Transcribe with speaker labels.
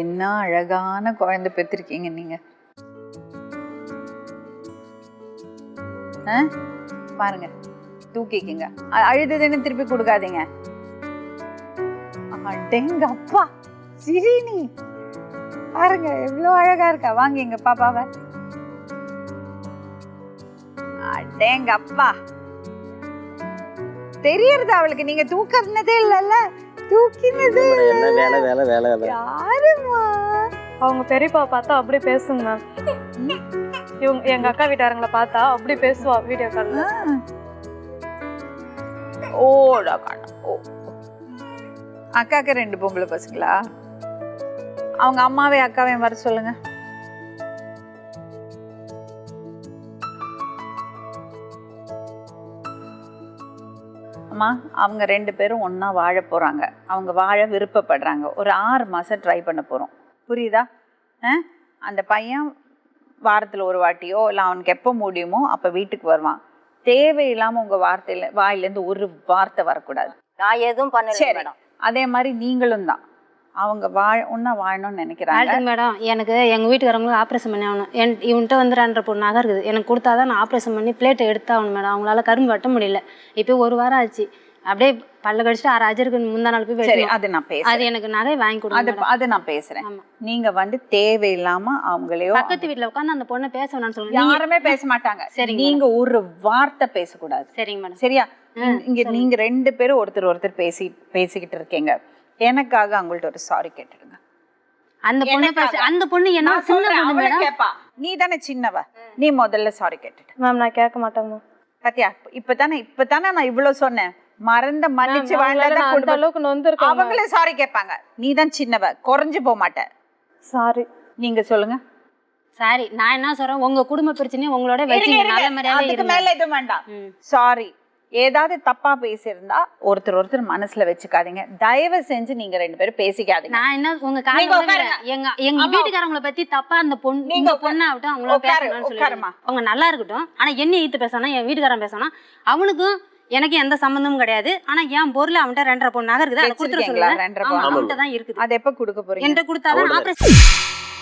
Speaker 1: என்ன அழகான குழந்தை பெற்றிருக்கீங்க நீங்க. பாருங்க, தூக்கிக்கிங்க. அழுதுன்னு திருப்பி கொடுக்காதீங்க. அடேங்க அப்பா, சிரினி பாருங்க எவ்வளவு அழகா இருக்கா. வாங்க எங்க பாப்பாவை. அடேங்க அப்பா, தெரியறது அவளுக்கு நீங்க தூக்கினதே இல்லல்ல. தூக்கினதே இல்ல. யாருமா?
Speaker 2: அவங்க பெரியப்பா பார்த்தா அப்படி பேசுங்க மேம். இவங்க எங்க அக்கா வீட்டாரங்களை பார்த்தா அப்படி பேசுவா வீடியோ கால்ல.
Speaker 1: ஓடா காணா. ஓ, அக்காக்கு 2 பொம்பளை பசங்களா? அவங்க அம்மாவே அக்காவையும் வர சொல்லுங்க. அம்மா, அவங்க 2 பேரும் ஒண்ணா வாழ போறாங்க. அவங்க வாழ விருப்பப்படுறாங்க. ஒரு 6 மாசம் ட்ரை பண்ண போறோம். புரியுதா? அந்த பையன் வாரத்துல ஒரு வாட்டியோ இல்லை அவனுக்கு எப்போ முடியுமோ அப்ப வீட்டுக்கு வருவான். தேவையில்லாம உங்க வாயிலேருந்து ஒரு வார்த்தை வரக்கூடாது.
Speaker 3: நான் எதுவும் பண்ணல.
Speaker 1: அதே மாதிரி நீங்களும் தான். அவங்க ஒன்னா வாழணும்னு நினைக்கிறாங்க.
Speaker 4: மேடம், எனக்கு எங்கள் வீட்டுக்காரங்களும் ஆப்ரேஷன் பண்ணி ஆகணும். இவன்கிட்ட வந்து 2.5 பவுன் நகை இருக்குது. எனக்கு கொடுத்தாதான் நான் ஆப்ரேஷன் பண்ணி பிளேட்டை எடுத்தாகணும் மேடம். அவங்களால கரும்பு வெட்ட முடியல. இப்போ 1 வாரம் ஆச்சு. அப்படியே பல்ல கடிச்சிட்டு 6 அஜருக்கு முந்தா நாள் போய்
Speaker 1: சரி, அது நான் பேசுறேன்.
Speaker 4: அது எனக்கு நகை வாங்கி கொடுங்க.
Speaker 1: அது நான் பேசுறேன். நீங்க வந்து தேவையில்லாம அவங்களையோ
Speaker 4: பக்கத்து வீட்டுல உட்காந்து அந்த பொண்ணை பேச வேணாம்னு சொல்லுங்க.
Speaker 1: யாருமே பேச மாட்டாங்க. சரி, நீங்க ஒரு வார்த்தை பேசக்கூடாது.
Speaker 4: சரிங்க மேடம்.
Speaker 1: சரியா? இங்க நீங்க 2 பேரும் ஒருத்தர் பேசிக்கிட்டு இருக்கீங்க. எனக்காக அவங்கள்ட்ட ஒரு சாரி கேட்டுடுங்க.
Speaker 4: அந்த பொண்ணு என்ன சின்ன பொண்ணு மேடம்.
Speaker 1: கேப்பா, நீ தானே சின்னவ, நீ முதல்ல சாரி கேட்டுட்டு.
Speaker 2: மேம் நான் கேட்க மாட்டேன் மேம்.
Speaker 1: பாத்தியா, இப்பதானே நான் இவ்வளவு சொன்னேன். மறந்த மன்னிச்சு
Speaker 2: அந்த அளவுக்கு நொந்திருக்கேன்.
Speaker 1: அவங்களே சாரி கேட்பாங்க. நீ தான் சின்னவ, குறைஞ்சு போக மாட்ட.
Speaker 2: சாரி.
Speaker 1: நீங்க சொல்லுங்க.
Speaker 4: சாரி. நான் என்ன சொல்றேன், உங்க குடும்ப பிரச்சனையை உங்களோட வச்சு நல்ல மாதிரியாவே
Speaker 1: அதுக்கு மேல எதுவும் வேண்டாம். சாரி. ஏதாவது தப்பா பேசியிருந்தா ஒருத்தர் மனசுல வச்சுக்காதீங்க. தயவு செஞ்சு நீங்க 2 பேரும் பேசிக்காதீங்க.
Speaker 4: நான் என்ன உங்க எங்க வீட்டுக்காரங்களை பத்தி தப்பா அந்த பொண்ணு ஆகட்டும் அவங்கள பேசணும்னு சொல்லுவாங்க. அவங்க நல்லா இருக்கட்டும். ஆனா என்ன ஈத்து பேசணும், என் வீட்டுக்காரன் பேசணும். அவனுக்கும் எனக்கு எந்த சம்பந்தமும் கிடையாது. ஆனா என் பொருள் அவன்கிட்ட 2.5 பவுன் நகை இருக்குது. அதை கொடுத்துட சொல்லுங்க. அவன்கிட்ட தான் இருக்குது.
Speaker 1: அதை எப்ப கொடுக்க போறீங்க?
Speaker 4: என்கிட்ட கொடுத்தாதான் ஆபரேஷன்